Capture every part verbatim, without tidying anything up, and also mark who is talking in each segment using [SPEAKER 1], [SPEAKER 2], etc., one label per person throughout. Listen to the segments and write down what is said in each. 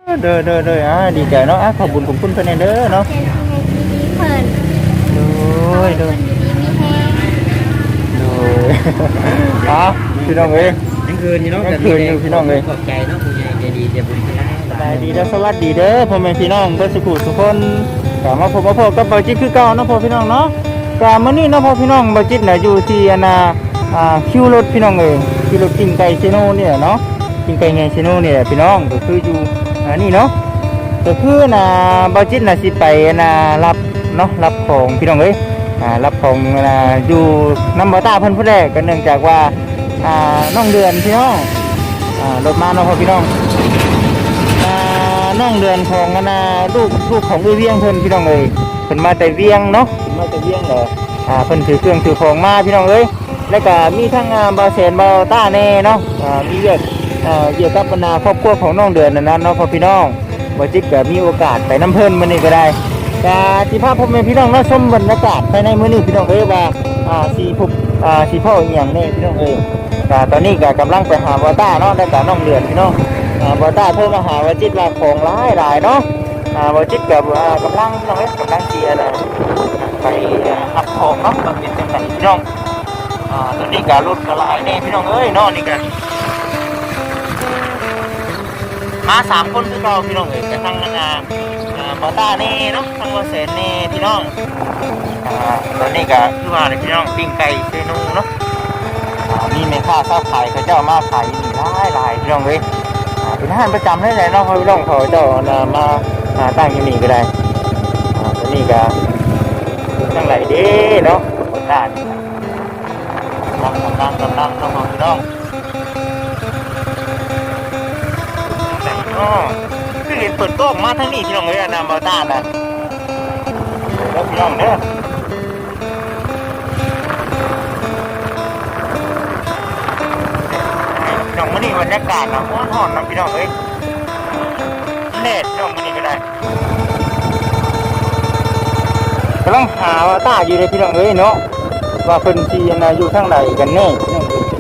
[SPEAKER 1] เด้อเด้อเด้ออ่าดีใจเนาะอ่ะขอบคุณขอบคุณเพิ่นเด้อเนาะ
[SPEAKER 2] เป็นอะไรดีๆเพิ่น
[SPEAKER 1] โอ้ย
[SPEAKER 2] เพิ่
[SPEAKER 1] เด้อน
[SPEAKER 2] ดีๆมีแฮง
[SPEAKER 1] โอ้ยอ่ะพี่น้องเอ้ย
[SPEAKER 3] ยังคืนอยู่เนาะ
[SPEAKER 1] ยังคืนอยู่พี่น้องเอ้ย
[SPEAKER 3] ขอบใจเนาะผู้ใหญ่ใจดีใจบุญคุณหลาย
[SPEAKER 1] สบายดีเด้อสวัสดีเด้อพ่อแม่พี่น้องเพิ่นสุขุทุกคนกลับมาพบมาพบกับเบาจิตคือเก่าเนาะพ่อพี่น้องเนาะกะมื้อนี้เนาะพ่อพี่น้องเบาจิตน่ะอยู่ที่อันน่ะอ่าคิวรถพี่น้องเอ้ยคิวรถกิ้งไก่เซโนเนี่ยเนาะกิ้งไก่ไงเซโนเนี่ยพี่น้องก็คืออยู่อ่านี่เนาะก็คือน่ะเบาจิตน่ะสิไปน่ะรับเนาะรับของพี่น้องเอ้ยอ่ารับของน่ะอยู่นำบ่ตาเพิ่นผู้แรกก็เนื่องจากว่าอ่าน้องเดือนพี่น้องอ่ารถมาเนาะพ่อพี่น้องอ่าน้องเดือนของอันน่ะลูกลูกของเวียงเพิ่นพี่น้องเอ้ยเพิ่นมาแต่เวียงเนาะเพิ่นมาแต่เวียงเหรออ่าเพิ่นถือเครื่องถือของมาพี่น้องเอ้ยแล้วก็มีทั้งอ่าบ่าวแสนบ่าวต้าแน่เนาะอ่ามีเวียกอ่าเกี่ยวกับบรรดาครอบครัวของน้องเดือนนั่นนะเนาะพ่อพี่น้องบ่จิกก็มีโอกาสไปน้ำเพิ่นมื้อนี้ก็ได้ก็สิพาพ่อแม่พี่น้องมาชมบรรยากาศภายในมื้อนี้พี่น้องเอ้ยว่าอ่าสิพบอ่าสิพ่ออีหยังแน่พี่น้องเอ้ยก็ตอนนี้ก็กำลังไปหาบ่าวต้าเนาะแล้วก็น้องเดือนพี่น้องอ่าบ่าวต้าโทรมาหาว่าจิตว่าของหลายหลายเนาะอ่าบ่จิตก็อ่ากำลังพี่น้องเอ้ยกำลังสิอะไรไปรับของเนาะก็เป็นจังไดพี่น้องอ่าตอนนี้ก็รถก็หลายแน่พี่น้องเอ้ยเนาะนี่ก็มาสามคนคือเก่าพี่น้องเอ้ยแต่ทั้งนั้นอ่าอ่าบ่าวต้านี่เนาะทั้งบ่าวแสนนี่พี่น้องอ่าตอนนี้ก็คือว่าเลยพี่น้องปิ้งไก่เซนูเนาะอ่ามีแม่ค้าเจ้าขายเขาเจ้ามาขายนี่หลายหลายพี่น้องเอ้ยอ่าเป็นอาหารประจำได้เลยเนาะพี่น้องเขาเจ้าน่ะมาหาตั้งอยู่นี่ก็ได้อ่าตอนนี้ก็จังไหลเด้เนาะบ่าวต้านี่กำลังกำลังกำลังเนาะพี่น้องไหนเนาะคือเห็นเปิดกล้องมาทั้งนี้พี่น้องเอ้ยอันน่ะบ่าวต้าน่ะแล้วพี่น้องเด้อพี่น้องมื้อนี้บรรยากาศนะร้อนๆนะพี่น้องเอ้ยแดดพี่น้องมื้อนี้ก็ได้กำลังหาว่าตาอยู่เลยพี่น้องเอ้ยเนาะว่าเพิ่นสิอันน่ะอยู่ทางใดกันแน่พี่น้องเอ้ย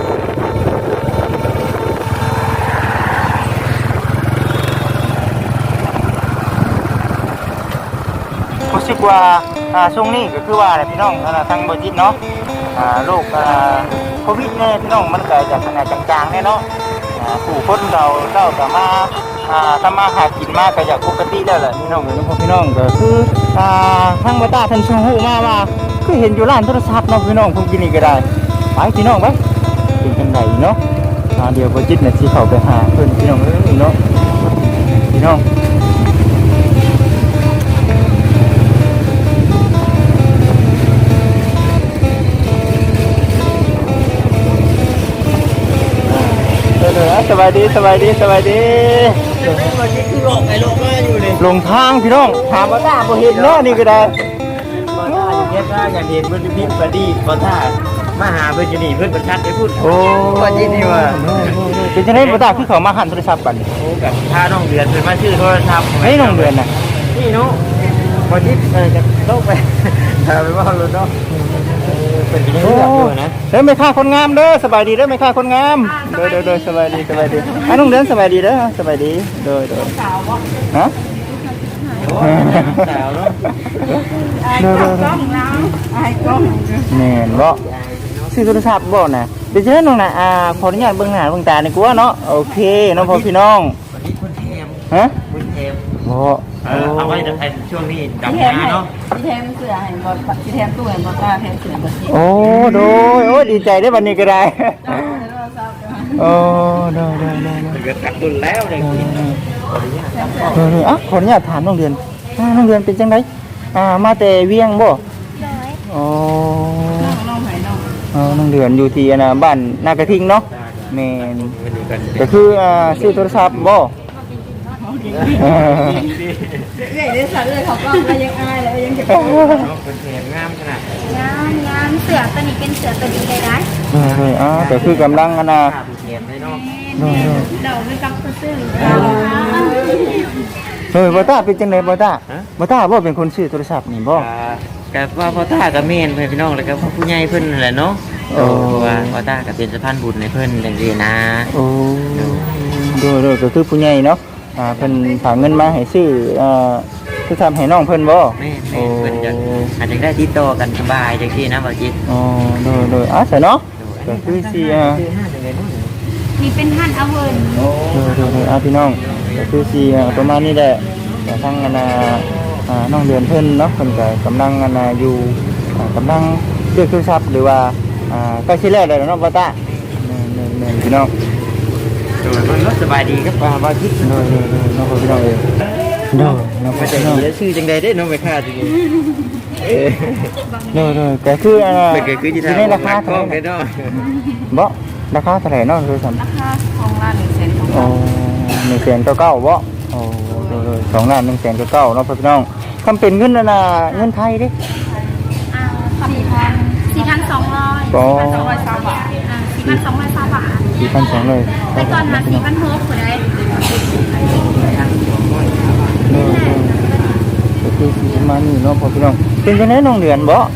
[SPEAKER 1] รู้สึกว่าอ่าช่วงนี้ก็คือว่าอะไรพี่น้องอ่าทางบริษัทเนาะอ่าโรคอ่าโควิดเนี่ยพี่น้องมันเกิดจากขนาดจางๆเนี่ยเนาะอ่าผู้คนเราเจ้าก็มาอ่าทำมาหากินมากก็จากปกติแล้วแหละพี่น้องเนาะพี่น้องก็คืออ่าทางบริษัทท่านชูหูมาว่าคือเห็นอยู่ร้านโทรศัพท์เนาะพี่น้องพวกกินนี่ก็ได้ไปพี่น้องไปเป็นจังไดเนาะอ่าเดี๋ยวบริษัทเนี่ยสิเข้าไปหาเพิ่นพี่น้องเอ้ยเนาะพี่น้องสบายดีสบายดีสบายดีวันนี้คือหลงไปหลงมาอยู่เลยหลงทางพี่น้องถามว่าตาบ่เห็นเนาะนี่ก็ได้
[SPEAKER 3] บ่ท่าอยู่เฮ็ดว่าอยากเห็นเพิ่นพิมพ์ประดีบ่ท่ามาหาเพิ่นอยู่นี่เพิ่นประชัดไปพูดโอ้ว่ายินดีว่า
[SPEAKER 1] เป็นจังได๋บ่ตาคือเขามาหันโทรศัพท์กัน
[SPEAKER 3] โอ้กับพาน้องเดือนเพิ่นมาชื่อโทรศัพท์
[SPEAKER 1] ให้น้องเดือนน่ะ
[SPEAKER 3] นี่เนาะบ่จิตเออจะลงไปถ้าไปว่ารถเนาะเป็นยังไงอยู่นะ
[SPEAKER 1] เด้อแม่ค้าคนงามเด้อสบายดีเด้อแม่ค้าคนงามเด้อเด้อๆสบายดีสบายดีอ่ะน้องเดือนสบายดีเด้อสบายดีเด้อๆสาวบ่ฮะ
[SPEAKER 3] สาวเนาะ
[SPEAKER 1] เด้อๆกล้องเราไอ้กล้องแม่นบ่ซื้อโทรศัพท์บ่น่ะเดี๋ยวเชิญน้องน่ะอ่าขออนุญาตเบิ่งหน้าเบิ่งตาหน่อยกว่าเนาะโอเคน้องพ่อพี่น้อง
[SPEAKER 3] วันนี้คุณเทม
[SPEAKER 1] ฮะ
[SPEAKER 3] คุณเทม
[SPEAKER 1] บ่
[SPEAKER 3] เอาไว้ในช่วงนี้ดำนาเนาะ
[SPEAKER 4] พี่แทมเสือให้บ่พี่แทมตู้ให้บ่ตาแทมเสือบ่สิ
[SPEAKER 1] โอ้โดยโอ้ดีใจได้บัดนี้ก็ได้โอ้โดยโดยโดย
[SPEAKER 3] เกิดกัดตุนแล้วเลย
[SPEAKER 1] เอออ่ะขออนุญาตถามน้องเดือนน้องเดือนเป็นจังไดอ่ามาแต่เวียงบ่อ๋อ
[SPEAKER 4] น้องไผน้อง
[SPEAKER 1] อ๋อน้องเดือนอยู่ที่น่ะบ้านนากระทิงเนาะแม่นก็คืออ่าซื้อโทรศัพท์บ่
[SPEAKER 4] เอ้ยได้สัตว์เลยเขาก็มายังอายแล้วยังจะโอ้
[SPEAKER 3] คนเทมงามขนาด
[SPEAKER 2] งามงามเสือตัวนี้เป็นเสือตัวดีเลยนะ
[SPEAKER 1] เออๆอ่าก็คือกำลังอันน่ะ
[SPEAKER 3] เทมได้เนาะ
[SPEAKER 2] เราไม่กำซื้อ
[SPEAKER 1] เออบ่ตาเป็นจังได๋บ่ตาบ่ตาบ่เป็นคนซื้อโทรศัพท์นี่บ่
[SPEAKER 3] ก็ว่าพ่อตากับแม่นเพิ่นพี่น้องแล้วก็ผู้ใหญ่เพิ่นนั่นแหละเนาะโอ้ว่าพ่อตาก็เป็นสะพานบุญให้เพิ่นจังซี่นะ
[SPEAKER 1] โอ้โดยๆก็คือผู้ใหญ่เนาะอ่าเพิ่นฝากเงินมาให้ซื้อเอ่อคือทำให้น้องเพิ่นบ่
[SPEAKER 3] แม่แม่เพิ่นจะอาจจะได้ติดต่อกันสบายจังซี่นะบ่จิต
[SPEAKER 1] อ๋อโดยโดยอ่ะซะเนาะก็คือสิอ่า
[SPEAKER 3] คือห้าจังได๋เนาะ
[SPEAKER 2] มีเป็นหั่นเอาเวิร์น
[SPEAKER 3] โอ้
[SPEAKER 1] โดยโดยโดยอ่ะพี่น้องก็คือสิอ่าประมาณนี้แหละแต่ทางอันน่ะอ่าน้องเดือนเพิ่นเนาะเพิ่นก็กำลังอันน่ะอยู่อ่ากำลังเลือกโทรศัพท์หรือว่าอ่าใกล้สิแล้วแล้วเนาะบ่ตาแม่นๆๆพี่น้อง
[SPEAKER 3] โดยเพิ่นก็สบายดีครับว่าบ่จิต
[SPEAKER 1] โดยโดยโดยน้องพี่น้องเองโดยน้อง
[SPEAKER 3] มา
[SPEAKER 1] พี่
[SPEAKER 3] จาก
[SPEAKER 1] น้อง
[SPEAKER 3] นี้แล้วชื่อจังได๋เด้น้องไปค่าจังนี้เอ้ย
[SPEAKER 1] โดยโดยก็คืออันน่ะ
[SPEAKER 3] เพิ่นก็คือสิ
[SPEAKER 1] อยู่ในราคา
[SPEAKER 3] ท้
[SPEAKER 1] เท่า
[SPEAKER 3] อง
[SPEAKER 1] ไหร่
[SPEAKER 3] เด้เนาะ
[SPEAKER 1] บ่ราคาเท่าไหร่เนาะคือซั่น
[SPEAKER 4] ราคาของร้านหนึ่งแสนของ
[SPEAKER 1] โอ้หนึ่งแสนเก้าเก้าบ่โอ้โดยโดยสองล้านหนึ่งแสนเก้าเก้าเนาะพี่น้องคำเป็นเงินอันน่ะเงินไทยเด้
[SPEAKER 2] อ่าสี่พันสี่พันสองร้อย
[SPEAKER 1] ก็
[SPEAKER 4] สองร้อยสามบาท
[SPEAKER 2] อ่าสี่พันสองร้อยสามบาท
[SPEAKER 1] สี่พันสองเลย
[SPEAKER 2] แต่ก่อนมาสี่พันหกคนได้
[SPEAKER 1] โดยโดยก็คือสิประมาณนี้เนาะพี่น้องเป็นจังได๋น้องเดือนบ่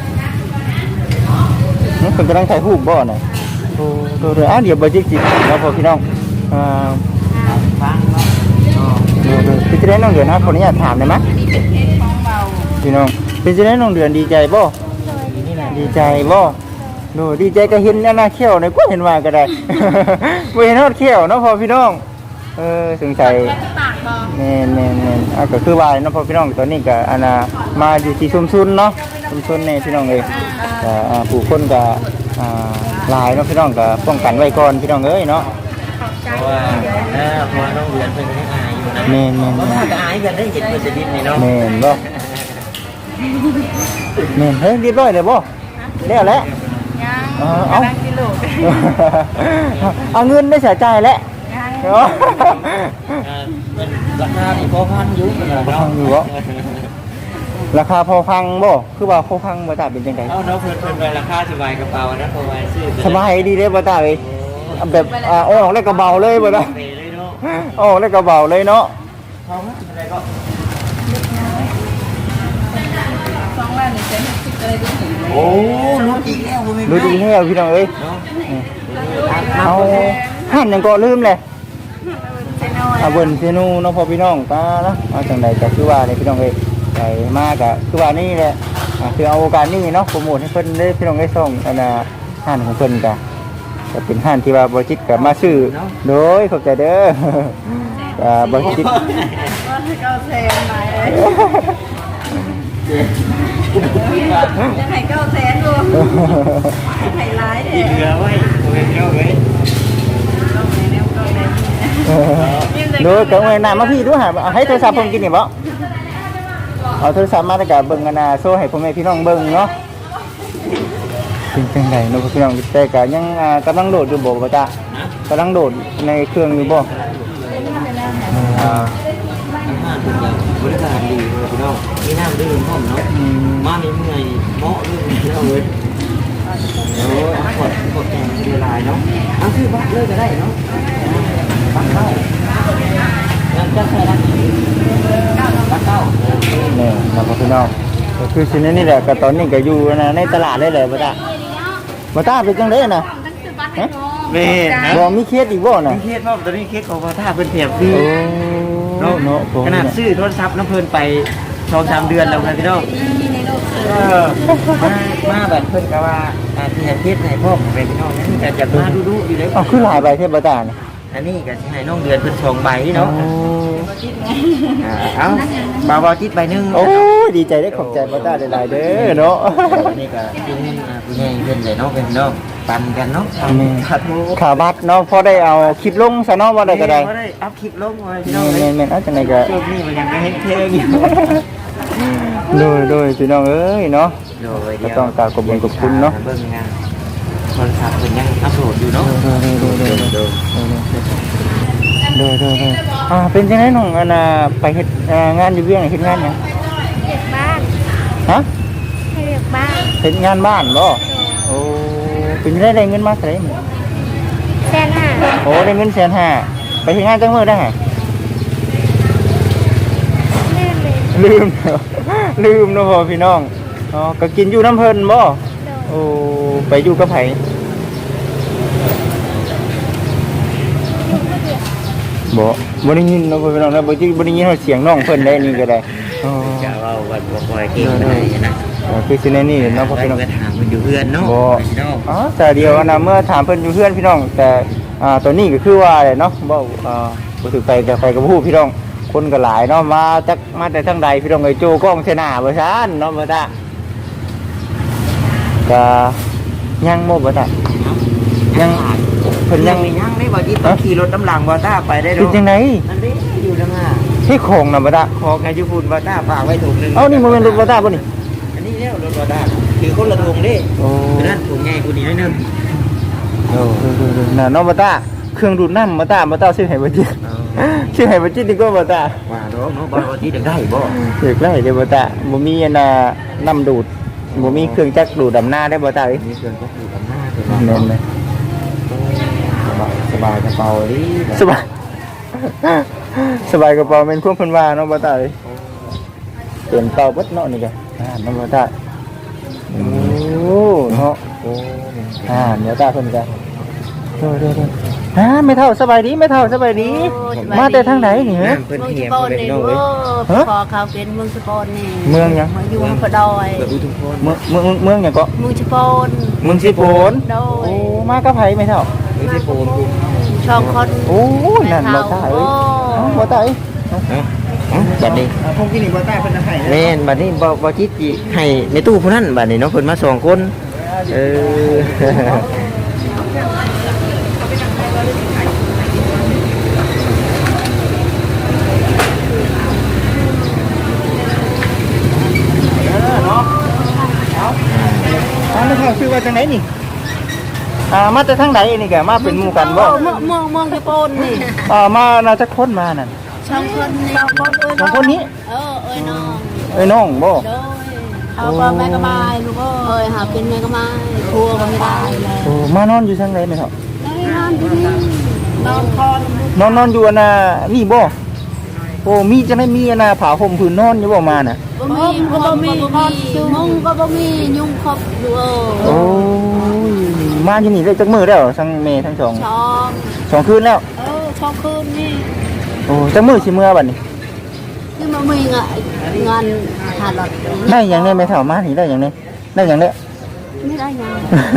[SPEAKER 1] นี่เพิ่นกำลังถ่ายรูปบ่น่ะโอ้โดยโดยอ่ะเดี๋ยวบ่จิกจิเนาะพี่น้องอ่า
[SPEAKER 3] ฟังเนาะ
[SPEAKER 1] เดือนเดือนเป็นจะได้น้องเดือนนะคนนี้อยากถามได้ไหม
[SPEAKER 4] นี่เป็นเพชรของเบา
[SPEAKER 1] พี่น้องเป็นจะได้น้องเดือนดีใจบ่ดีใจบ่ดูดีใจก็เห็นอันน่ะเขี้ยวในก็เห็นว่าก็ได้ บ่เห็นฮอดเขี้ยวเนาะพ่อพี่น้องเออสงสัย
[SPEAKER 2] แล้วจะปากบอก
[SPEAKER 1] แม่นแม่นแม่นอ่ะก็คือว่าเนาะพ่อพี่น้องตอนนี้ก็อันน่ะมาอยู่ที่ชุมชนเนาะชุมชนนี่พี่น้องเอ้ยก็อ่าผู้คนก็อ่าหลายเนาะพี่น้องก็ป้องกันไว้ก่อนพี่น้องเอ้ยเนาะ
[SPEAKER 3] เพราะว่าเออเพราะว่าน้องเรียนเพิ่นก็ยังอายอยู่นะ
[SPEAKER 1] แม่นแม่น
[SPEAKER 3] เพราะ
[SPEAKER 1] แม่
[SPEAKER 3] ว่าน ก็อายกันได้เห็นเพิ่นจะดิ้นนี่เนาะ
[SPEAKER 1] แม่นบ่แม่นเฮ้ยเรียบร้อยเลยบ่แล้วแหละ
[SPEAKER 4] ยัง
[SPEAKER 1] เออเอา
[SPEAKER 4] กำลังกิโล
[SPEAKER 1] เอาเงินได้เสียใจแล้ว
[SPEAKER 4] ยัง
[SPEAKER 1] เนาะ
[SPEAKER 3] เออเป็นราคาที่พอพันอยู่เนาะ
[SPEAKER 1] พอพันอยู่บ่ ราคาพอฟังบ่คือว่าพอฟังบ่ตาเป็นจังได
[SPEAKER 3] เอาเนาะเพิ่นเพิ่นไปราคาสบายกระเป๋านะเพราะว่าซื้อ
[SPEAKER 1] สบายดีเด้บ่ตาเอ้ยแบบอ่าโอ้ออกแล้วก็เบาเลยบ่ตา
[SPEAKER 3] เปเลยเนาะ
[SPEAKER 1] โอ้ออกแล้วก็เบาเลยเนาะ
[SPEAKER 3] เขาว่าอะไรก็
[SPEAKER 4] สองล้านหนึ่งแสนหกสิบอะไรด้วย
[SPEAKER 3] โอ้รู้อีกแล้วบ่มี
[SPEAKER 1] ดูดีแท้พี่น้องเอ้ย
[SPEAKER 3] เนาะ
[SPEAKER 1] เอาหันหยังก็ลืมเลย
[SPEAKER 4] เซนอย
[SPEAKER 1] อาเบิ่นเซนูเนาะพ่อพี่น้องตาเนาะเอาจังใดก็คือว่าเลยพี่น้องเอ้ยไปมาก็คือว่านี่แหละอ่าคือเอาโอกาสนี้เนาะโปรโมทให้เพิ่นได้พี่น้องได้ส่งอันน่ะห้านของเพิ่นก็ก็เป็นห้านที่ว่าบ่จิตก็มาซื้อโดยขอบใจเด้อ อ่าบ่จิต
[SPEAKER 4] ก็เก้าแสนหลายเลยจะให้เก้าแสนรวมให้ร้าย
[SPEAKER 3] อี
[SPEAKER 4] แท้
[SPEAKER 3] กเหลือไว้บ่เป็นเจ้าเว้ย
[SPEAKER 4] ต้องในแนวต้องใน
[SPEAKER 1] โดยก็เอาหน้ามาพี่ดูหาเอาให้โทรศัพท์เพิ่นกินนี่บ่เอาโทรศัพท์มาแล้วก็เบิ่งกันน่ะโชว์ให้พ่อแม่พี่น้องเบิ่งเนาะเป็นจังไดเนาะพี่น้องแต่ก็ยังอ่ากำลังโหลดอยู่บ่บ่จ๊ะกำลังโหลดในเครื่องอยู่บ่อ่า
[SPEAKER 3] อาหารทุกอย่างบริการดีเลยพี่น้องมีน้ำดื่มพร้อมเนาะ
[SPEAKER 1] อืม
[SPEAKER 3] มาในเมื่อยเหมาะเลยพี่น้องเว้ยโอ้ยกดกดแกงดีลายเนาะเอาซื้อบัตรเลยก็ได้เนาะบัตรเข้าแล้วจะใส่บัตรบัตรเข้า
[SPEAKER 1] นี่ครับพี่น้องก็คือสินี่แหละก็ตอนนี้ก็อยู่นะในตลาดได้เลยบ่จ๊ะบ่ตาเป็นจังได๋น่ะ
[SPEAKER 2] ตั้งสิบบัตรให้น้อง
[SPEAKER 3] เม่นะ
[SPEAKER 1] บ่มีเคสอีกบ่น่ะ
[SPEAKER 3] มีเคสว่าตอนนี้เคสของพระธาตุเป็นแถบดี
[SPEAKER 1] โอ้เนาะ
[SPEAKER 3] ขนาดซื้อโทรศัพท์น้ำเพลินไปสองสามเดือนแล้วครับพี่น้อง
[SPEAKER 4] มีในโลกเสือ
[SPEAKER 3] เออมามาแบบเพิ่นก็ว่าอาที่ให้เคสให้พ่อผมเป็นพี่น้องนี่แต่จะมาดูดูอยู่เลย
[SPEAKER 1] เอาคือหลายใบเทพบ่ตานี่
[SPEAKER 3] อันนี้ก็สิให้น้องเดือนเพิ่นสองใบเนาะ
[SPEAKER 1] โอ้
[SPEAKER 3] อ่าเอาบาวบาวจิตใบหนึง
[SPEAKER 1] โอ้ยดีใจได้ขอบใจบ่ตาหลายๆเด้อเนาะ
[SPEAKER 3] อันนี้ก็เป็นเงินอ่าผู้ใหญ่เพิ่นเลยเนาะเป็นพี่น้องปันกันเนาะ
[SPEAKER 1] แม่
[SPEAKER 3] ขาดโม
[SPEAKER 1] ขาบัตรเนาะพอได้เอาคลิปลงซะเนาะว่าได้ก็ได้
[SPEAKER 3] บ่ได้อัพคลิปลงไว้พี่น้องเล
[SPEAKER 1] แม่
[SPEAKER 3] ย
[SPEAKER 1] นๆๆเอาจังไดก็
[SPEAKER 3] ช่วงนี้มันยังไม่เห็นเพลงอยู่
[SPEAKER 1] โดยโดยพี่น้องเอ้ยเนาะ
[SPEAKER 3] โดย
[SPEAKER 1] ก็ต้องกราบขอบคุณขอบคุณเนาะ
[SPEAKER 3] เบิ่งงานโทรศัพท์เพิ่นยังอัปโหลดอยู่เนาะ
[SPEAKER 1] โดยโดยโดยโดย
[SPEAKER 3] โดย
[SPEAKER 1] โดยโดยโดยอ่าเป็นจังไดน้องอันน่ะไปเฮ็ดอ่างานอยู่เวียงเฮ็ดงานหยัง
[SPEAKER 2] เด็กบ้าน
[SPEAKER 1] ฮะ
[SPEAKER 2] ให้เด็กบ้าน
[SPEAKER 1] เฮ็ดงานบ้านบ่โอ้เป็นจังไดได้เงินมาเท่าไหร่มื้อ
[SPEAKER 2] แสนห้า
[SPEAKER 1] โอ้ได้เงินแสนห้าไปเฮ็ดงานจังมื้อได้
[SPEAKER 2] เลื่อนเลย
[SPEAKER 1] ลืม ลืมเนาะพ่อพี่น้องอ๋อก็กินอยู่น้ำเพิ่นบ่
[SPEAKER 2] โดน
[SPEAKER 1] โอ้ไปอยู่กับไผบ่บ่ได้ยินเนาะพ่อพี่น้องนะบ่จิบ่ได้ยินเสียงน้องเพิ่นได้นี่ก็ได้อ๋อ
[SPEAKER 3] จะเอาวันบ่คอยเก่งปานใดนะ
[SPEAKER 1] เออคือสิแน่นี่เนาะพ่อ
[SPEAKER 3] ไป
[SPEAKER 1] พี่น้อง
[SPEAKER 3] ก็ถามมันอยู่เพื่อนเนาะ
[SPEAKER 1] บ่
[SPEAKER 3] พี่น้อง
[SPEAKER 1] อ๋อแต่เดียวนะเมื่อถามเพิ่นอยู่เพื่อนพี่น้อง แต่อ่าตัวนี้ก็คือว่าอะไรเนาะบ่อ่าบ่ถือไปกับไปกับผู้พี่น้องคนก็หลายเนาะมาจากมาแต่ทางใดพี่น้องไอ้โจกล้องเสหน้าบ่ซั่นเนาะบ่ตาก็ยังบ่บ่ตายังเพิ่น
[SPEAKER 3] ยั
[SPEAKER 1] ยัง ง
[SPEAKER 3] ยังได้บ่ที่ต้องขี่รถน้ำหลังบ่ต้าไปได้
[SPEAKER 1] เป็น
[SPEAKER 3] เนาะ
[SPEAKER 1] จังได๋
[SPEAKER 3] นั่นเด้อยู่นำห่า
[SPEAKER 1] ที่ของน่ะบ่ตา
[SPEAKER 3] ขอกันอยู่พุ่นบ่ต้าฝากไว้ถุงนึง
[SPEAKER 1] เอ้านี่บ่แม่นรถบ่ตาบ่นี่
[SPEAKER 3] อันนี้แล้วรถบ่ต้าคือคนละถุงเด้
[SPEAKER 1] โอ้
[SPEAKER 3] นั่นถุงใหญ่กูนี่นิดนึง
[SPEAKER 1] โอ้น่ะเนาะบ่ตาเครื่องดูดน้ำบ่ตาบ่ตาซื้อให้บ่จิซื้อให้บ่จิดีกว่าบ่ตา
[SPEAKER 3] ว่าเนาะเนาะบ่ว่าที่ได้บ่
[SPEAKER 1] เด็กไล่เดี๋ยวบ่ตาบ่มีอันน่ะน้ำดูดบ่มีเครื่องจักรดูดดำหน้าได้บ่ตาเอ้ย
[SPEAKER 3] มีเครื่องจักรอยู่กับหน้าคือ
[SPEAKER 1] แม่นไหม
[SPEAKER 3] สบายสบายกระเป๋าดิ
[SPEAKER 1] สบาย สบายกระเป๋าแม่นพวกเพิ่นว่าเนาะบ่ตาเอ้ยเปลี่ยนเป่าเบิดเนาะนี่ก็อ่าเนาะบ่ตาโอ้เนาะ
[SPEAKER 3] โอ้
[SPEAKER 1] อ่าเดี๋ยวตาเพิ่นก็เด้อๆๆฮะไม่เท่าสบายดีไม่เท่าสบายดี มาแต่ทางไหนนี่ฮะ
[SPEAKER 3] เพิ่น
[SPEAKER 4] เมือง
[SPEAKER 3] เหี
[SPEAKER 4] ส
[SPEAKER 3] ยม
[SPEAKER 4] กล
[SPEAKER 3] เป็น
[SPEAKER 4] นี่
[SPEAKER 3] น้อง
[SPEAKER 4] เอ
[SPEAKER 3] เอ้ย
[SPEAKER 4] อพอเขาเป็นเมืองสกลนี่
[SPEAKER 1] เมืองหยัง
[SPEAKER 4] มาอยู่พะดอย
[SPEAKER 3] เปิดดูทุกคน
[SPEAKER 1] เมืองเมืองเมืองหยังก็
[SPEAKER 4] เมืองสกล
[SPEAKER 1] เมืองสิโปน
[SPEAKER 4] โด
[SPEAKER 1] โอ้
[SPEAKER 4] ย
[SPEAKER 1] มากับไผไม่เท่า
[SPEAKER 3] ไม่ใช่โฟนกู
[SPEAKER 4] ช่องคน
[SPEAKER 1] โอ้นั่นบ่ตาเอ้ยเอ้าบ่ตาเอ้ย
[SPEAKER 3] บัดนี้
[SPEAKER 1] พวกที่นี่บ่ตาเพิ่นให้
[SPEAKER 3] แม่นบัดนี้บ่บ่คิดสิให้ในตู้ผู้นั้นบัดนี้เนาะเพิ่นมาสองคนเออ
[SPEAKER 1] เนาะเอาไม่เท่าชื่อว่าจังไหนนี่อ่ามาแต่ทางไหนนี่แกมาเป็นหมู่กันบ่
[SPEAKER 4] เมืองเมืองเมืองสกลนี่
[SPEAKER 1] อ่ามาน่าจะคนมานั่น
[SPEAKER 4] ช่องคนนี่ช่องคนเอ้ย
[SPEAKER 1] สองคนนี้
[SPEAKER 4] เออเอ้ยน้อง
[SPEAKER 1] เอ้ยน้องบ่
[SPEAKER 4] โดยเอาก็แม่ก็บายลูกเอ้ยหาเป็นแม่ก็บายครัวก็ไม่ได้แล้ว
[SPEAKER 1] โอ้มานอนอยู่ทางไหนไม่เท่า
[SPEAKER 4] ได้นอนที่นี่นอนคอน
[SPEAKER 1] นอนนอนอยู่อันน่ะนี่บ่โอ้มีจังได๋มีอันน่ะผ้าห่มผืนนอนอยู่บ่มาน่ะ
[SPEAKER 4] บ่มีก็บ่มีมุงก็บ่มียุงครบอยู่เอ
[SPEAKER 1] โอ้
[SPEAKER 4] อย
[SPEAKER 1] มาอยู่นี่ได้จักมื้อแล้วทั้งแม่ทั้งสอง
[SPEAKER 4] ช่อง
[SPEAKER 1] สองคืนแล้ว
[SPEAKER 4] เออช่องคืนนี่
[SPEAKER 1] โอ้จักมื้อสิเมื่อบัดนี้
[SPEAKER 4] คือมันมีเงินเงินหาหลอด
[SPEAKER 1] ได้หยังได้ไม่เท่ามานี่ได้หยังได้ได้หยังได้
[SPEAKER 4] ไม่ได้ยัง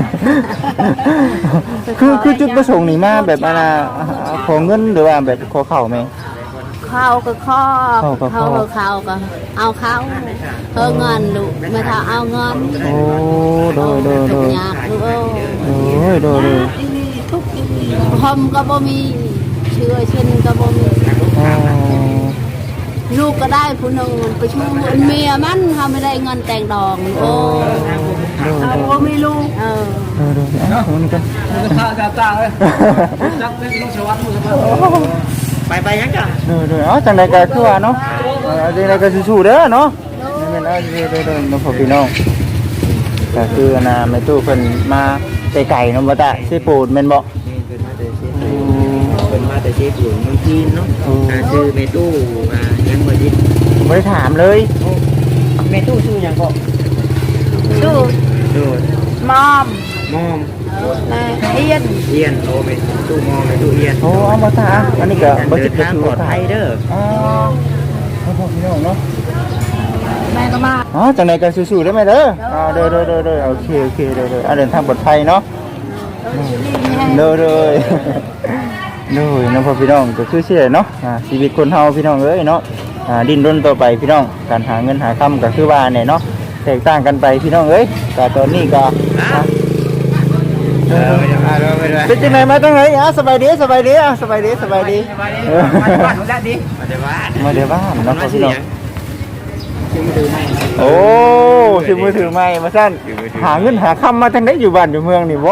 [SPEAKER 1] คือคือจุดประสงค์นี่มาแบบอะไรขอเงินหรือว่าแบบขอเข่าไหม
[SPEAKER 4] ข้าวก็ข้อ
[SPEAKER 1] ข้าวก็ข้อ
[SPEAKER 4] ข้าวข้าวก็เอาข้าวเออเงินลูกไม่ถ้าเอาเงิน
[SPEAKER 1] โอ้โดยโดยโด
[SPEAKER 4] ทุก
[SPEAKER 1] ย
[SPEAKER 4] อย่างลูกเออ
[SPEAKER 1] โอ้ยโดยโดย
[SPEAKER 4] ทุกพมก็บ่มีเชื่อเช่นก็บ่มี
[SPEAKER 1] อ๋อ
[SPEAKER 4] ลูกก็ได้ผู้หนึ่งไปช่วยเมียมันเขาไม่ได้เงินแต่งดอกโอ้
[SPEAKER 1] โดยโดย
[SPEAKER 4] ก็ไม่รู้เออ
[SPEAKER 1] โดยโดยอ่ะคนนี้กัน
[SPEAKER 3] ข้าวตาเลยจักเป็นลูกสวัสดิ์มือไปไปยังจ้ะ
[SPEAKER 1] โดยโดยอ๋อจังใดก็คือว่าเนาะเออจังใดก็สู้ๆเด้อเนาะนี่แม่นเอาโดยโดยน้องพ่อพี่น้องก็คืออันน่ะแม่ตู้เพิ่นมาไกลๆเนาะบ่ตาสิปูดแม่นบ่
[SPEAKER 3] เป็นมาแต่เชฟเป็นมาแต่เชฟหลวงเมืองจีนเนาะชื่อเมตู้มายังบ่ดิ
[SPEAKER 1] บ่ได้ถามเลย
[SPEAKER 3] เมตู้ชื่อยังก็
[SPEAKER 4] ดู
[SPEAKER 3] โดด
[SPEAKER 4] มอม
[SPEAKER 3] มอม
[SPEAKER 4] แม่เอียน
[SPEAKER 3] เอียนโอ้เมตู้มอมเมตู้เอียน
[SPEAKER 1] โอ้เอาบ่ตาอันนี้ก็บ่
[SPEAKER 3] เดิ
[SPEAKER 1] จิ
[SPEAKER 3] น
[SPEAKER 1] ตก็
[SPEAKER 3] ทาง
[SPEAKER 1] คือ
[SPEAKER 3] ปลอดภัยเด้อ
[SPEAKER 1] อ๋อน้องพ่อพี่น้องเนาะ
[SPEAKER 4] แม่ก็มา
[SPEAKER 1] อ๋อจังไหนกันสู้ๆได้ไหมเด้ออ่าเด้อเด้อเด้อเด้อโอเคโอเคเด้อเด้ออ่าเดินทางปลอดภัยเนาะเด้อเด้อเด้อน้องพ่อพี่น้องก็คือสิได้เนาะอ่าชีวิตคนเฮาพี่น้องเอ้ยเนาะอ่าดิ้นรนต่อไปพี่น้องการหาเงินหาค่ำก็คือว่าเนี่ยเนาะแตกต่างกันไปพี่น้องเอ้ยก็ตอนนี้ก็อ่ะ
[SPEAKER 3] เออไปไปไปไป
[SPEAKER 1] เป็นจังไหนมาจังไหนอ่ะสบายดีสบายดีอ่ะสบายดีสบายดีเออ
[SPEAKER 3] บ้านได้ดิมาแต่บ้าน
[SPEAKER 1] มาเดี๋ยวบ้านเนาะพ่อพี่น้อง
[SPEAKER 3] ชื่อมือถือไม่
[SPEAKER 1] โอ้ถือมือถือไม่มาสั้นหาเงินหาคำมาทางไหนอยู่บ้านอยู่เมืองนี่บ่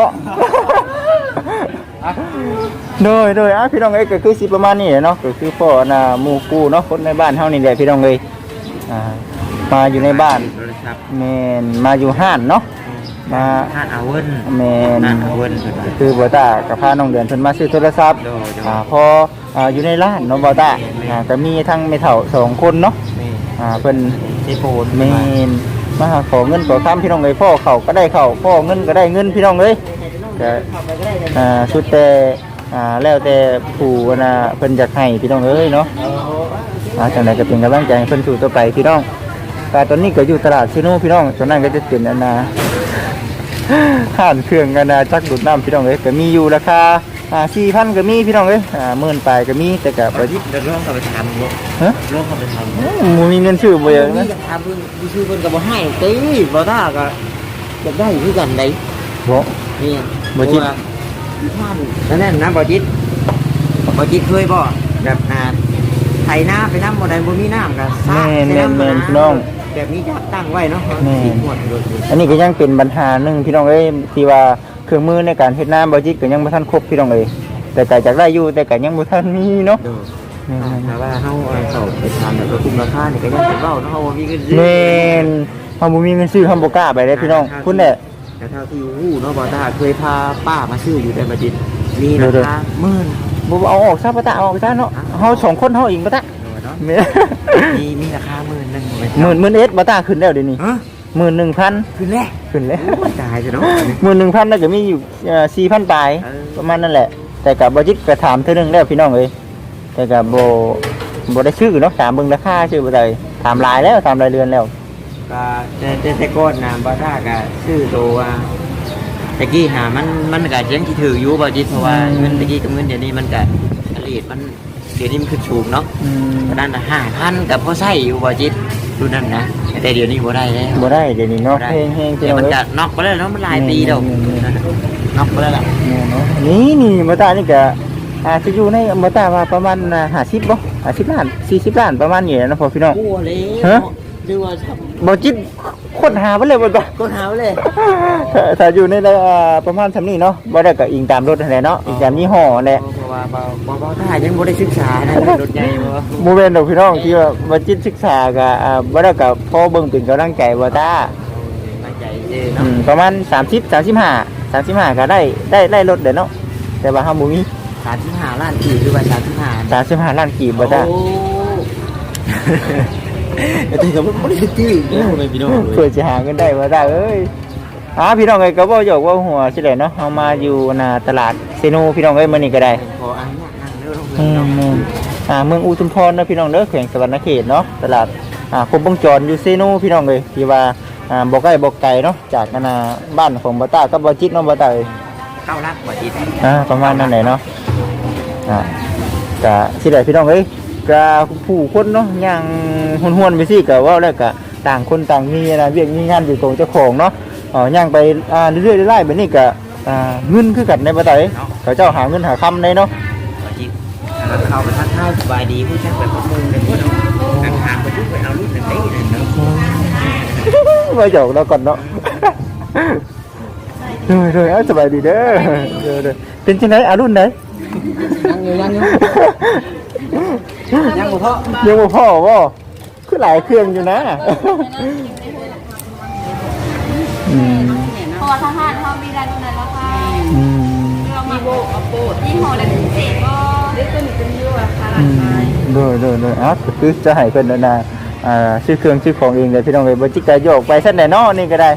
[SPEAKER 1] โดยโดยอ่ะพี่น้องเอ้ยก็คือสิประมาณนี้เนาะก็คือพ่อน่ะหมู่กู้เนาะคนในบ้านเฮานี่แหละพี่น้องเอ้ยอ่ามาอยู่ในบ้าน
[SPEAKER 3] โทรศัพท์
[SPEAKER 1] แม่นมาอยู่ห้านเนาะมา
[SPEAKER 3] ทานอาเวิน
[SPEAKER 1] แม่น
[SPEAKER 3] ทานอาเวิน
[SPEAKER 1] ก็คือบ่ตากับพาน้องเดือนเพิ่นมาซื้อโทรศัพท์
[SPEAKER 3] โดยโดย
[SPEAKER 1] อ่าพออ่าอยู่ในร้านเนาะบ่ตาอ่าก็มีทั้งแม่เฒ่าสองคนเนาะอ่าเพิ่น
[SPEAKER 3] เจโปน
[SPEAKER 1] แม่นมาหาขอเงินขอค้ำพี่น้องเอ้ยพ่อเขาก็ได้เข้าพ่อเงินก็ได้เงินพี่น้องเอ้ยก็อ่าสุดแต่อ่าแล้วแต่ผู้น่ะเพิ่นอยากให้พี่น้องเอ้ยเนาะอ่าจังได๋ก็เป็นกำลังใจให้เพิ่นสู้ต่อไปพี่น้องแต่ตอนนี้ก็อยู่ตลาดซิโนพี่น้องตอนนั้นก็จะเป็นอันน่ะ ห้านเครื่องกันนะจักดูดน้ำพี่น้องเอ้ยก็มีอยู่ราคาอ่า สี่พัน ก็มีพี่น้องเอ้ยอ่าหมื่นปลายก็มีแต่ก็บ่
[SPEAKER 3] ประดิษฐ์เดินร่องเข้าไปทำเนาะ
[SPEAKER 1] ฮะ
[SPEAKER 3] ร่องเข้าไปทำ
[SPEAKER 1] บ่มีเงินซื้อบ่เยอะ
[SPEAKER 3] นี่
[SPEAKER 1] นะ
[SPEAKER 3] อยากทำเพิ่นดิชื่อเพิ่นก็บ่ให้ตีบ่ท่าก็อยากได้คือกันได้
[SPEAKER 1] บ่
[SPEAKER 3] นี่
[SPEAKER 1] บ่จิต
[SPEAKER 3] ท่านนั่นแหละนะบ่จิตบ่จิตเคยบ่แบบอ่าไถนาไปน้ำบ่ได้บ่มีน้ำก็ซาก
[SPEAKER 1] แม่น
[SPEAKER 3] ใส่น้ำ
[SPEAKER 1] แม่น
[SPEAKER 3] มา
[SPEAKER 1] พี่น้อง
[SPEAKER 3] แบบนี้จะตั้งไว้เนาะ
[SPEAKER 1] แม่น
[SPEAKER 3] สิหมดเลย
[SPEAKER 1] อันนี้ก็ยังเป็นปัญหาหนึงพี่น้องเอ้ยที่ว่าเครื่องมือในการเฮ็ดน้ำบ่จิตก็ยังบ่ทันครบพี่น้องเอ้ยแต่ก็อยากได้อยู่แต่ก็ยังบ่ทันมีเนาะ
[SPEAKER 3] เด้อ
[SPEAKER 1] แม่น
[SPEAKER 3] ถ้าว่าเฮาเอาเข้าไปทำแบบว่าคุมราคานี่ก็ยังสิเว้าเนาะเฮาบ่มีเงินซื้อ
[SPEAKER 1] แม่นเฮาบ่มีเงินซื้อเฮาบ่กล้าไปเด้พี่น้องคุณแหละ
[SPEAKER 3] แต่เท่าที่ฮู้เนาะบ่ท่าเคยพาป้ามาซื้ออยู่แต่บ่จิตมีรา
[SPEAKER 1] เด้อ
[SPEAKER 3] คาหมื่น
[SPEAKER 1] บ่เอาออกซะบ่ตะเอาออกซะเนาะเฮาสองคนเฮาเองบ่ตะ
[SPEAKER 3] เนาะ
[SPEAKER 1] แม่
[SPEAKER 3] มีมีราคาหมื่นหนึงไว้
[SPEAKER 1] หมื่นหมื่นเอสบ่ตาขึ้นแล้วเดี๋ยวนี้
[SPEAKER 3] ฮะ
[SPEAKER 1] หมื่นหนึ่งพัน
[SPEAKER 3] คือแรก
[SPEAKER 1] ขึ้นแล้ว
[SPEAKER 3] ตายจะเนาะ
[SPEAKER 1] หมื่นหนึ่งพันแล้วก็มีอยู่สี่พันปลาย
[SPEAKER 3] เออ
[SPEAKER 1] ประมาณนั่นแหละ แต่กับบจิตก็ถามเท่านึงแล้วพี่น้องเอ้ยแต่กับโบโบได้ชื่อเนาะถามเบิ่งราคาชื่อบ่ได้ถามหลายแล้วถามรายเดือนแล้ว
[SPEAKER 3] ก็แต่แต่แต่ก่อนน่ะบ่ท่าก็ซื้อตัวว่าตะกี้หามันมันก็ยังสิถืออยู่บ่จิตเพราะว่าเงินตะกี้กับเงินเดี๋ยวนี้มันก็อลีดมันเดี๋ยวนี้มันขึ้นสูงเนาะ
[SPEAKER 1] อืม
[SPEAKER 3] ตอนนั้นน่ะห้าพันก็พอใช้อยู่บ่จิตดูนั่นนะแต่เดี๋ยวนี้บ่ได้แล้ว
[SPEAKER 1] บ่ได้เดี๋ยวนี้เนาะ
[SPEAKER 3] บ่ได้
[SPEAKER 1] แห้งๆพี่
[SPEAKER 3] เดี๋ย
[SPEAKER 1] น้
[SPEAKER 3] ว
[SPEAKER 1] อง
[SPEAKER 3] มัน
[SPEAKER 1] เอ้ย
[SPEAKER 3] ก็น็อกไปแล้วเนาะมันหลายปีแล้วน็อกไปแล้วล่ะ
[SPEAKER 1] เนี่ยเนาะนี่นี่บ่ตานี่ก็อาจจะอยู่ในบ่ตาว่าประมาณห้าสิบบ่ห้าสิบล้านสี่สิบล้านประมาณนี้นะพ่อพี่น้อง
[SPEAKER 3] กลัวเลย
[SPEAKER 1] ฮะ
[SPEAKER 3] หรือว่าครับ
[SPEAKER 1] บ่จิตค้นหาบ่เลยบ่ตา
[SPEAKER 3] ก็หาไว้เลย
[SPEAKER 1] ถ้าถ้าอยู่ในระอ่าประมาณสำนี้เนาะบ่ได้ก็อิงตามรถนั่นแหละเนาะอิงตามยี่ห้อนั่นแหละ
[SPEAKER 3] เพราะว่าบ่บ่บ่ถ้ายังบ่ได้ศึกษานะรถใหญ่บ่
[SPEAKER 1] บ่แม่นดอกพี่น้องที่ว่าบ่จิตศึกษาก็อ่าบ่ได้ก็พอเบิ่งเป็นกำลังใจบ่ตา
[SPEAKER 3] มาใจเด้
[SPEAKER 1] อื
[SPEAKER 3] เนาะ
[SPEAKER 1] มประมาณสามสิบ สามสิบห้า สามสิบห้าก็ได้ได้ได้รถเด้อเนาะแต่ว่าเฮาบ่มี
[SPEAKER 3] สามสิบห้าล้านกี่หรือว่าสามสิบห้า
[SPEAKER 1] สามสิบห้าล้านกีบบ่ตา
[SPEAKER 3] โอ้แต่ก็บ่ได้ตื้อเนาะพี่น้อง
[SPEAKER 1] เพื่อสิหาเงินได้บ่ตาเอ้ยอ่าพี่น้องเอ้ยก็บ่อยากว่าหัวสิแหละเนาะเฮามาอยู่หน้าตลาดเซโนพี่น้องเอ้ยมื้อนี้ก็ได้
[SPEAKER 3] ขออนุญาตนั่งเด้อ
[SPEAKER 1] อื
[SPEAKER 3] เนาะ
[SPEAKER 1] มอ่าเมืองอุทุมพรเนาะพี่น้องเด้อแขวงสวรรณเขตเนาะตลาดอ่าครบวงจรอยู่เซโนพี่น้องเลยที่ว่าอ่าบ่ใกล้บ่ไกลเนาะจากนานาบ้านของบ่ตากับบ่จิตเนาะบ่ตาเอ้ย
[SPEAKER 3] เก้าลักบ่จิต
[SPEAKER 1] อ่าประมาณนั้นแหละเนาะอ่าก็สิได้พี่น้องเอ้ยก็ผู้คนเนาะย่างห้วนๆไปสิก็เว้าแล้วก็ต่างคนต่างมีนะเวียกมีงานอยู่ของเจ้าของเนาะอ๋อย่างไปอ่าเรื่อยๆไล่ๆแบบนี้ก็อ่าเงินคือกันในบ่ตาเอ้ยเขาเจ้าหาเงินหาคำได้เนาะ
[SPEAKER 3] บ่จิตแล้วเข้าไปทักทายสบายดีผู้ชักแบบข้อมูลเลยพวกเนาะนั่งทางไปทุกไปเอารุ่นนั้นได้นั่นเนาะ
[SPEAKER 1] มาหยอกเราก่อนเนาะเดยเดยเอาสบายดีเด้อเดยเดยเป็นที่ไหนอารุ่นไหน
[SPEAKER 3] ยังอยู่ยังอยู่ยังบ่พอ
[SPEAKER 1] ยังบ่พ่อบ่คือหลายเครื่องอยู่นะอืม
[SPEAKER 2] พอทหารเขามีรายรุ่นนั้นแล้วค่ะ
[SPEAKER 1] อืม
[SPEAKER 2] เรามาโบกเอาโบดยี่ห้ออะไรพิเศษก็เล็กตัวนี้เป็นยูราคา
[SPEAKER 1] อืมเดยเดยเดยอ่ะก็คือจะให้เพิ่นนั่นน่ะอ่าซื้อเครื่องซื้อของเองเลยพี่น้องเอ้ยบ่จิกกะโยกไปซั่นแน่เนาะนี่ก็ได้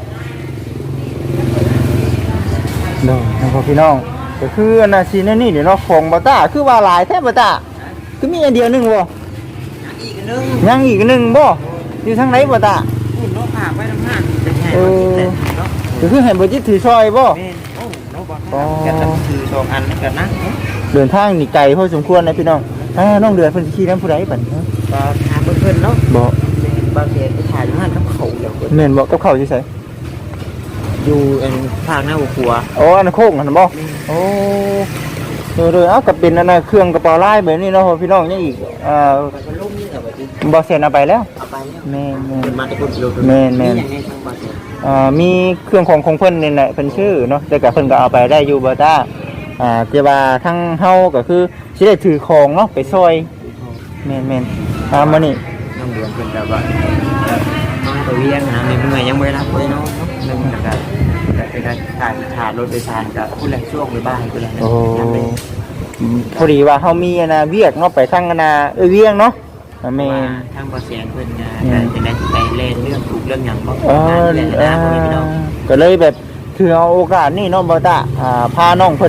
[SPEAKER 1] เด้อนะครับพี่น้องก็คืออันน่ะสิแน่นี่เดี๋ยวเนาะของบ่ตาคือว่าหลายแท้บ่ตาคือมีอันเดียวหนึงบ่
[SPEAKER 3] อีกนึง
[SPEAKER 1] ยังอีกหนึ่งบ่อยู่ทางไหนบ่ตา
[SPEAKER 3] คุณเนาะฝากไว้ทำงานเป็นไง
[SPEAKER 1] เอ
[SPEAKER 3] บ่
[SPEAKER 1] อ
[SPEAKER 3] จิตเลยเนาะ
[SPEAKER 1] ก็คือให้บ่จิตถือซอยบ่
[SPEAKER 3] แม่นโอ้เนาะบ่แกันคือสองอันนั่นกันนะเนาะ
[SPEAKER 1] เดินทางนี่ไกลพอสมควรนะพี่น้องอ่าน้องเดือนเพิ่นสิขี่น้ำผู้ใดบัดนี้
[SPEAKER 3] ก็ถามเพิ่นๆเนาะ
[SPEAKER 1] บ่
[SPEAKER 3] บางเขตไปถ่ายงานกับเขาเดี๋ยวเพิ่น
[SPEAKER 1] แม่นบ่กับเขาสิไส
[SPEAKER 3] อยู่อันภาคหน้าหัวครัว
[SPEAKER 1] อ๋ออันนนโค้งนั่นบ่โอ้เด้อๆเอ้าก็เป็นอันน่ะเครื่องกระเป๋าลายแบบนี้เนาะพี่น้องยังอีกอ่า
[SPEAKER 3] มันลุ่มนี่เหรอบ่จิต
[SPEAKER 1] บ่เซ็นเอาไปแล้ว
[SPEAKER 3] เอาไปแล้ว
[SPEAKER 1] แม่น
[SPEAKER 3] เป็นมาตะกุนกิโล
[SPEAKER 1] แม่นแม่น
[SPEAKER 3] อย่างนี้ทางบางเขต
[SPEAKER 1] ๆอ่ามีเครื่องของของเพิ่นนี่แหละเพิ่นชื่อเนาะแต่ก็เพิ่นก็เอาไปได้อยู่บ่ตาอ่าแต่ว่าทางเฮาก็คือสิได้ถือของเนาะไปซอยแม่นๆอ่ามื้อนี้
[SPEAKER 3] น้องเดือนเพิ่นแบบว่าน้องตัวเวียงนะมีเมื่อยยังไม่รับเลยเนาะนึงนะครับแต่เป็นการถ่ายถ่ายรถโดยสารกับผู้แรงช่วงในบ้านผู้แรง
[SPEAKER 1] โอ้
[SPEAKER 3] ยังไม่
[SPEAKER 1] พอดีว่าเฮามีอันน่ะเวียกเนาะไปทางอันน่ะเอ้ยเวียงเนาะอ่าแม่
[SPEAKER 3] ว่าน ทางบอเสียงเพิ่นนะแต่เป็นการไปเล่นเรื่องถูกเรื่องหยังบ่
[SPEAKER 1] เออ
[SPEAKER 3] เล่น
[SPEAKER 1] เอ
[SPEAKER 3] นะพ่อแม่พี่น้อง
[SPEAKER 1] อก็เลยแบบถือเอาโอกาสนี่เนาะบ่ตาอ่าพาน้องเพิ่น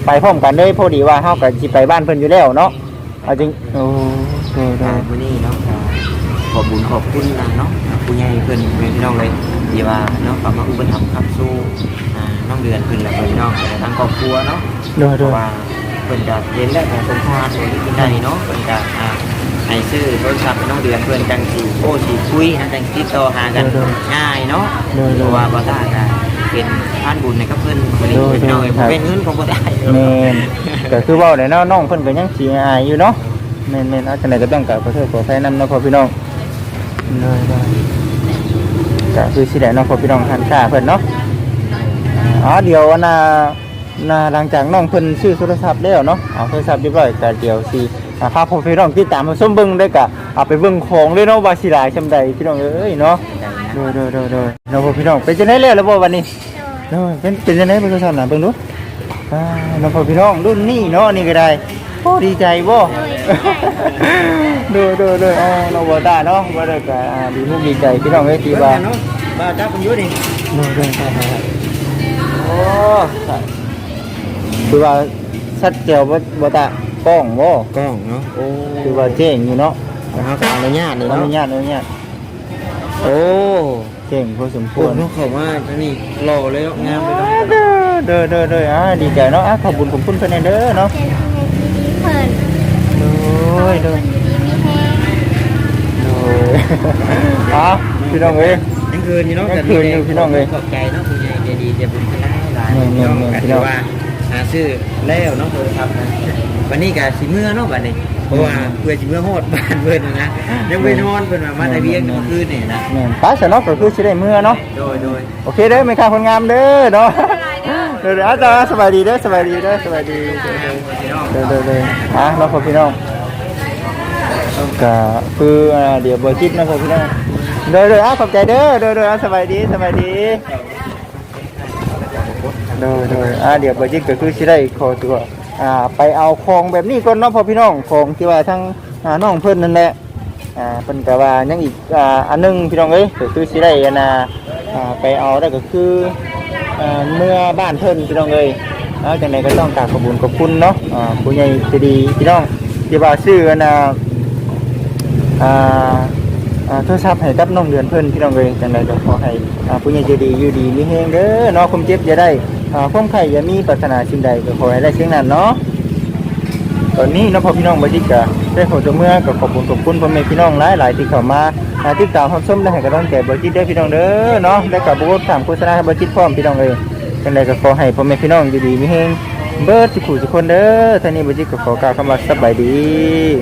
[SPEAKER 1] ไปพร้อมกันเด้พอดีว่าเฮาก็สิไปบ้านเพิ่นอยู่แล้วเนาะเอาจริงโอ้โดยโด
[SPEAKER 3] อ่าย มื้อนี้เนาะก็ขอบบุญขอบคุณนะเนาะผู้ใหญ่เพิ่นเพิ่นพี่น้องเลยที่ว่าเนาะก็มาอุปถัมภ์ครับสู้อ่าน้องเดือนเพิ่นแล้วก็พี่น้องแต่ทั้งครอบครัวเนาะ
[SPEAKER 1] โดย
[SPEAKER 3] เพ
[SPEAKER 1] โด
[SPEAKER 3] ราะ
[SPEAKER 1] ย
[SPEAKER 3] ว่าเพิ่นจะเรียนและการสมภารเพิ่นที่ได้เนาะเพิ่นจะอ่าให้ซื้อโทรศัพท์ให้น้องเดือนเพิ่นจังสิโอ้สิคุยนะจังติดต่อหากันง่ายเนาะเพราะว่าบ่ได้ก็เป็นทานบุญให้กับเพิ่นบ่ได้พี่น้องเอ้ยบ่เป็นเงินของบ่ได้
[SPEAKER 1] แม่นก็คือเว้าได้เนาะน้องเพิ่นก็ยังสิอายอยู่เนาะแม่นๆเอาจังได๋ก็ต้องกราบขอโทษขออภัยนำเนาะพ่อพี่น้องเลยๆก็คือสิได้เนาะพ่อพี่น้องท่านค่าเพิ่นเนาะอ๋อเดี๋ยวน่ะน่ะหลังจากน้องเพิ่นซื้อโทรศัพท์แล้วเนาะเอาโทรศัพท์เรียบร้อยก็เดี๋ยวสิอ่าพาพ่อพี่น้องติดตามมาชมเบิ่งได้ก็เอาไปเบิ่งของเลยเนาะว่าสิหลายซำใดพี่น้องเอ้ยเนาะโดยๆๆๆเนาะพ่อพี่น้องเป็นจังได๋แล้วล่ะบ่วันนี้โดยเป็นเป็นจังได๋เบิ่งโทรศัพท์น่ะเบิ่งดูอ่าน้องพ่อพี่น้องรุ่นนี้เนาะนี่ก็ได้โอ้ดีใจบ่โดยๆๆอ๋อเราบ่ได้เนาะบ่ได้ก็อ่าดีมุกดีใจพี่น้องเอ้ยที่ว่า
[SPEAKER 3] เนาะบ่จับมันอยู่นี่
[SPEAKER 1] โดยๆโอ้คือว่าชัดเจนบ่บ่ตากล้องบ่
[SPEAKER 3] กล้องเนาะโอ้
[SPEAKER 1] คือว่าเจ๋งอยู่เนาะ
[SPEAKER 3] เฮาก็อนุญาตนี่
[SPEAKER 1] อ
[SPEAKER 3] เนาะ
[SPEAKER 1] นุญาตอนุญาต
[SPEAKER 3] โอ้
[SPEAKER 1] เจ๋งพอสมค
[SPEAKER 3] ปว
[SPEAKER 1] ว
[SPEAKER 3] ด
[SPEAKER 1] ร
[SPEAKER 3] เนาะเขาว่าอันนี้หล่อเลยเนาะงามเลยเนาะ
[SPEAKER 1] เด้อเด้อเด้ออ่าดีใจเนาะอ่ะขอบคุณขอบคุณเพิ่นเด้อเนาะ
[SPEAKER 2] เป็นดีเพิ่น
[SPEAKER 1] โอ้ยเด้อ
[SPEAKER 2] ดีมีแฮง
[SPEAKER 1] โอ้ยอ่ะพี่น้องเอ้ย
[SPEAKER 3] ยังคืนอยู่เนาะ
[SPEAKER 1] ยังคืนอยู่พี่น้องเอ้ย
[SPEAKER 3] ขอบใจเนาะผู้ใหญ่ใจดีใจบุญกันได้หลาย
[SPEAKER 1] แม่นๆๆ
[SPEAKER 3] พี่น้อง
[SPEAKER 1] พี่
[SPEAKER 3] พี่
[SPEAKER 1] น้
[SPEAKER 3] น้
[SPEAKER 1] อ
[SPEAKER 3] อง งว่าหาซื้อแล้วเนาะโทรศัพท์นะวันนี้ก็สิเมื่อเนาะบัดนี้เพราะว่าเพื่อสิเมื่อโฮดบ้านเพิ่นน่ะนะยังไปนอนเพิ่นว่ามาแต่เวียงเมื่อคืนนี่นะ
[SPEAKER 1] แม่นไปซะเนาะก็คือสิได้มื้อเนาะ
[SPEAKER 3] โดยโดย
[SPEAKER 1] โอเคเด้อแม่ค้าคนงามเด้อเนาะเด้อๆอาจารย์สบายดีเด้อสบายดีเด้อสบายดีเด้อ
[SPEAKER 3] พี่น้อง
[SPEAKER 1] เด้อเด้อเด้ออ่ะเนาะพ่อพี่น้องก็คืออ่าเดี๋ยวบ่คิดนะพ่อพี่น้องเด้อเด้ออ่ะขอบใจเด้อเด้อเด้ออ่ะสบายดีสบายดีเด้อเด้ออ่ะเดี๋ยวบ่คิดก็คือสิได้ขอตัวอ่าไปเอาของแบบนี้ก่อนเนาะพ่อพี่น้องของที่ว่าทั้งอ่าน้องเพิ่นนั่นแหละอ่าเพิ่นก็ว่ายังอีกอ่าอันหนึงพี่น้องเอ้ยก็คือสิได้อันน่ะอ่าไปเอาได้ก็คืออ่าเมื่อบ้านเพิ่นพี่น้องเอ้ยเอาจังไดก็ต้องกราบขอบคุณขอบคุณเนาะอ่าผู้ใหญ่ใจดีพี่น้องที่ว่าซื้ออันน่ะอ่าอ่าโทรศัพท์ให้กับน้องเดือนเพิ่นพี่น้องเอ้ยจังไดก็ขอให้อ่าผู้ใหญ่ใจดีอยู่ดีมีแฮงเด้อเนาะความเจ็บอย่าได้อ่าความไข้อย่ามีปรารถนาสิ่งใดก็ขอให้ได้สิ่งนั้นเนาะ ตอนนี้เนาะพ่อพี่น้องบริจิกะได้ขอตัวเมื่อกับขอบคุณขอบคุณพ่อแม่พี่น้องหลายหลายๆที่เข้ามาหาติดตามรับชมและให้กำลังใจบริจิตได้อพี่น้องเด้อเนาะได้กับบุญถามโฆษณาให้บริจิตพร้อมพี่น้องเลยเป็นไรก็ขอให้พ่อแม่พี่น้องอยู่ดีมีเฮงเบิร์ดทุกผู้ทุกคนเด้อท่านี้บริจิตก็ขอกล่าวคำว่าสบายดี